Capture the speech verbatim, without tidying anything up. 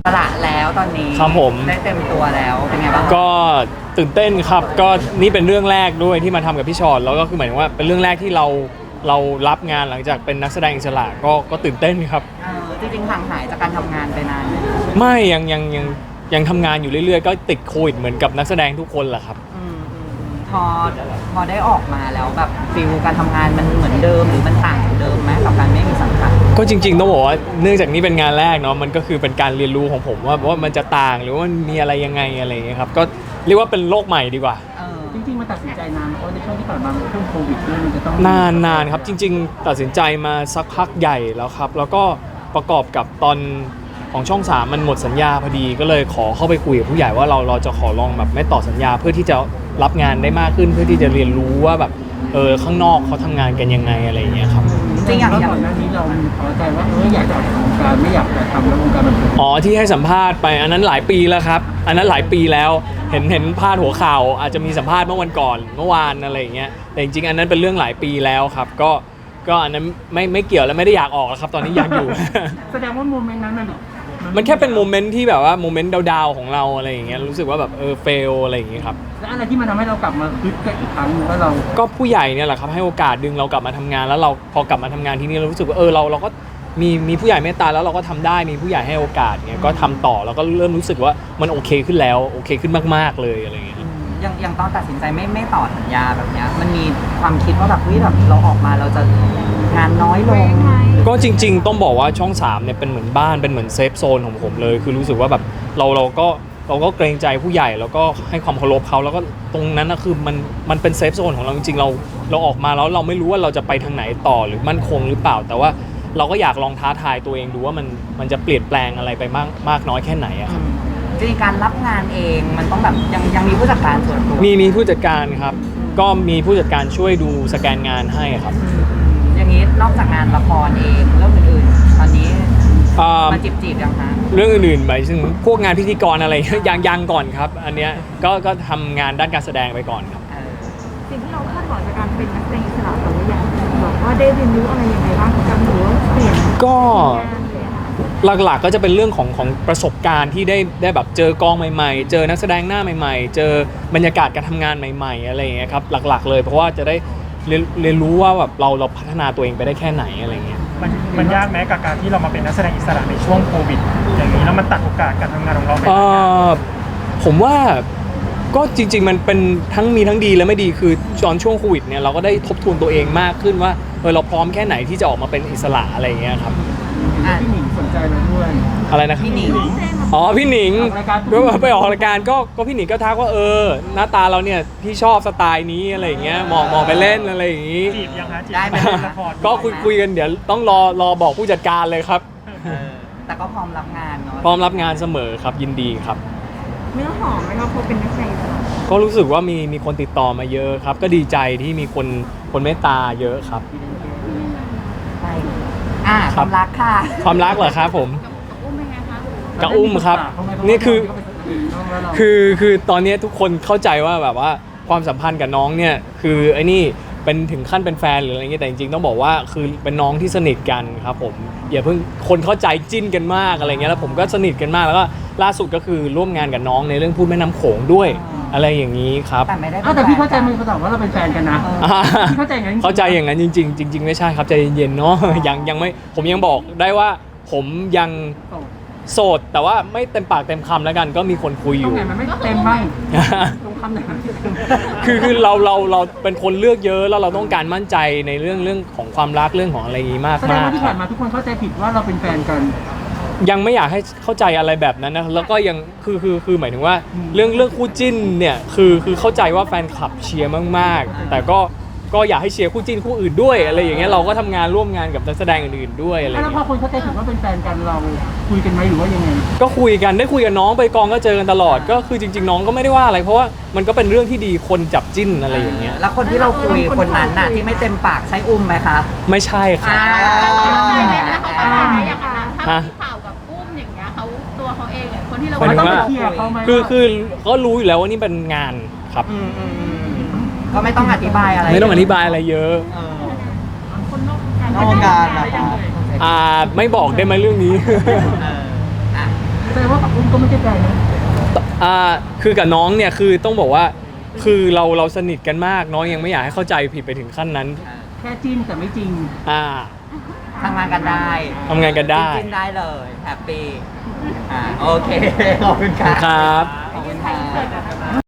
ระแล้วตอนนี้ครับผมได้เต็มตัวแล้วเป็นไงบ้างก็ตื่นเต้นครับก็นี่เป็นเรื่องแรกด้วยที่มาทำกับพี่ชอตแล้วก็คือหมายถึงว่าเป็นเรื่องแรกที่เราเรารับงานหลังจากเป็นนักแสดงอิสระก็ก็ตื่นเต้นครับเออจริงๆห่างหายจากการทำงานไปนานไหมไม่ยังยังยังยังทำงานอยู่เรื่อยๆก็ติดโควิดเหมือนกับนักแสดงทุกคนแหละครับอืมอืมอืมพอพอได้ออกมาแล้วแบบฟิลการทำงานมันเหมือนเดิมหรือมันต่างจากเดิมไหมกับการไม่มีสังกัดก็จริงๆต้องบอกว่าเนื่องจากนี้เป็นงานแรกเนาะมันก็คือเป็นการเรียนรู้ของผมว่าว่ามันจะต่างหรือว่ามันมีอะไรยังไงอะไรอย่างเงี้ยครับก็เรียกว่าเป็นโลกใหม่ดีกว่าจริงๆมันตัดสินใจนานเพราะในช่วงที่ผ่านมาช่วงโควิดด้วยมันจะต้องนานนานครับจริงๆตัดสินใจมาสักพักใหญ่แล้วครับแล้วก็ประกอบกับตอนของช่องสามมันหมดสัญญาพอดีก็เลยขอเข้าไปคุยกับผู้ใหญ่ว่าเราเราจะขอลองแบบไม่ต่อสัญญาเพื่อที่จะรับงานได้มากขึ้นเพื่อที่จะเรียนรู้ว่าแบบเออข้างนอกเขาทำงานกันยังไงอะไรอย่างเงี้ยครับจริงอย่างก่อนหน้านี้เราพอใจว่าเอออยากจะออกจากวงการไม่อยากจะทำแล้ววงการบันเทิงอ๋อที่ให้สัมภาษณ์ไปอันนั้นหลายปีแล้วครับอันนั้นหลายปีแล้วเห็นเห็นพาดหัวข่าวอาจจะมีสัมภาษณ์เมื่อวันก่อนเมื่อวานอะไรอย่างเงี้ยแต่จริงๆอันนั้นเป็นเรื่องหลายปีแล้วครับก็ก็อันนั้นไม่ไม่เกี่ยวและไม่ได้อยากออกแล้วครับตอนนี้อยากอยู่แสดงว่าโมเมนต์นั้นมันมันแค่เป็นโมเมนต์ที่แบบว่าโมเมนต์ดาวๆของเราอะไรอย่างเงี้ยรู้สึกว่าแบบเออเฟลอะไรอย่างเงี้ยครับแล้วอะไรที่มันทำให้เรากลับมาคึกกันอีกครั้งว่าเราก็ผู้ใหญ่เนี่ยแหละครับให้โอกาสดึงเรากลับมาทำงานแล้วเราพอกลับมาทำงานที่นี่เรารู้สึกว่าเออเราเราก็มีมีผู้ใหญ่เมตตาแล้วเราก็ทำได้มีผู้ใหญ่ให้โอกาสเงี้ยก็ทำต่อแล้วก็เริ่มรู้สึกว่ามันโอเคขึ้นแล้วโอเคขึ้นมากๆเลยอะไรอย่างเงี้ยอย่างอย่างตอนตัดสินใจไม่ไม่ต่อสัญญาแบบเนี้ยมันมีความคิดว่าแบบเฮ้ยแบบเราออกมาเราจะงานน้อยลงก็จริงๆต้องบอกว่าช่องสามเนี่ยเป็นเหมือนบ้านเป็นเหมือนเซฟโซนของผมเลยคือรู้สึกว่าแบบเราเราก็เราก็เกรงใจผู้ใหญ่แล้วก็ให้ความเคารพเขาแล้วก็ตรงนั้นนะคือมันมันเป็นเซฟโซนของเราจริงๆเราเราออกมาแล้วเราไม่รู้ว่าเราจะไปทางไหนต่อหรือมั่นคงหรือเปล่าแต่ว่าเราก็อยากลองท้าทายตัวเองดูว่ามันมันจะเปลี่ยนแปลงอะไรไปมากมากน้อยแค่ไหนอะครับจริงๆการรับงานเองมันต้องแบบยังยังมีผู้จัดการส่วนตัวมีมีผู้จัดการครับก็มีผู้จัดการช่วยดูสแกนงานให้ครับอย่างนี้นอกจากงานละครเองเรื่องอื่นๆตอนนี้มาจีบจีบยังคะเรื่องอื่นๆไปซึ่งพวกงานพิธีกรอะไรยังยังก่อนครับอันเนี้ยก็ก็ทำงานด้านการแสดงไปก่อนครับสิ่งที่เราคาดหวังจากการเป็นนักแสดงอิสระแต่ว่าอย่างบอกว่าได้เรียนรู้อะไรยังไงบ้างกับหรือว่าเปลี่ยนก็หลักๆก็จะเป็นเรื่องของของประสบการณ์ที่ได้ได้แบบเจอกองใหม่ๆเจอนักแสดงหน้าใหม่ๆเจอบรรยากาศการทำงานใหม่ๆอะไรอย่างเงี้ยครับหลักๆเลยเพราะว่าจะได้เรียนเรียนรู้ว่าแบบเราเราพัฒนาตัวเองไปได้แค่ไหนอะไรเงี้ยมันมันยากไหมกับการที่เรามาเป็นนักแสดงอิสระในช่วงโควิดอย่างนี้แล้วมันตัดโอกาสการทำงานของเราไปผมว่าก็จริงๆมันเป็นทั้งมีทั้งดีและไม่ดีคือตอนช่วงโควิดเนี่ยเราก็ได้ทบทวนตัวเองมากขึ้นว่าเออเราพร้อมแค่ไหนที่จะออกมาเป็นอิสระอะไรเงี้ยครับพี่หนิงสนใจเราด้วยอะไรนะครับพี่หนิงอ๋อพี่หนิงไปออกรายการก็ก็พี่หนิงก็ทักว่าเออหน้าตาเราเนี่ยพี่ชอบสไตล์นี้อะไรอย่างเงี้ยมองมองไปเล่นอะไรอย่างงี้จีบยังฮะจีบได้ไหมก็คุยคุยกันเดี๋ยวต้องรอรอบอกผู้จัดการเลยครับแต่ก็พร้อมรับงานเนาะพร้อมรับงานเสมอครับยินดีครับเนื้อหอมไหมครับพอเป็นนักแสดงก็รู้สึกว่ามีมีคนติดต่อมาเยอะครับก็ดีใจที่มีคนคนเมตตาเยอะครับใช่อ่าความรักค่ะความรักเหรอครับผมกับอุ้มครับนี่คือคือคือตอนนี้ทุกคนเข้าใจว่าแบบว่าความสัมพันธ์กับน้องเนี่ยคือไอ้นี่เป็นถึงขั้นเป็นแฟนหรืออะไรเงี้ยแต่จริงๆต้องบอกว่าคือเป็นน้องที่สนิทกันครับผมอย่าเพิ่งคนเข้าใจจิ้นกันมากอะไรเงี้ยแล้วผมก็สนิทกันมากแล้วก็ล่าสุดก็คือร่วมงานกับน้องในเรื่องพูดแม่น้ำโขงด้วยอะไรอย่างนี้ครับแต่ไม่ได้แต่พี่เข้าใจมึงเขาบอกว่าเราเป็นแฟนกันนะพี่เข้าใจอย่างนั้นเข้าใจอย่างนั้นจริงๆจริงๆไม่ใช่ครับใจเย็นๆเนาะยังยังไม่ผมยังบอกได้ว่าผมยังโสดแต่ว่าไม่เต็มปากเต็มคำแล้วกันก็มีคนคุยอยู่มันไม่เต็มบ้างตรงคำไหนคือคือเราเราเราเป็นคนเลือกเยอะแล้วเราต้องการมั่นใจในเรื่องเรื่องของความรักเรื่องของอะไรนี้มากมากแสดงว่าที่ผ่านมาทุกคนเข้าใจผิดว่าเราเป็นแฟนกันยังไม่อยากให้เข้าใจอะไรแบบนั้นนะแล้วก็ยังคือคือคือหมายถึงว่าเรื่องเรื่องคู่จิ้นเนี่ยคือคือเข้าใจว่าแฟนคลับเชียร์มากๆแต่ก็ก็อยากให้เชียร์คู่จิ้นคู่อื่นด้วยอะไรอย่างเงี้ยเราก็ทำงานร่วมงานกับนักแสดงอื่นๆด้วยอะไรแล้วพอคนเข้าใจผิดว่าเป็นแฟนกันเราคุยกันไหมหรือว่ายังไงก็คุยกันได้คุยกับน้องไปกองก็เจอกันตลอดก็คือจริงๆน้องก็ไม่ได้ว่าอะไรเพราะว่ามันก็เป็นเรื่องที่ดีคนจับจิ้นอะไรอย่างเงี้ยแล้วคนที่เราคุยคนนั้นน่ะที่ไม่เต็มปากใช้อุ้มไหมคะไม่ใช่ครับฮะข่าวกับอุ้มอย่างเงี้ยเขาตัวเขาเองอ่ะคนที่เราต้องไปเคลียร์เขาไหมคือคือก็รู้อยู่แล้วว่านี่เป็นงานครับก็ไม่ต้องอธิบายอะไรไม่ต้องอธิบายอะไรเยอะคนนอกงานนะคะอ่าไม่บอกได้ไหมเรื่องนี้แสดงว่ากับอุ้มก็ไม่ใช่ใจนะอ่าคือกับน้องเนี่ยคือต้องบอกว่าคือเราเราสนิทกันมากน้องยังไม่อยากให้เข้าใจผิดไปถึงขั้นนั้นแค่จิ้นแต่ไม่จริงอ่าทำงานกันได้ทำงานกันได้จริงๆได้เลยแฮปปี้อ่าโอเคขอบคุณคขอบคุณครัรับขอบคุณครับ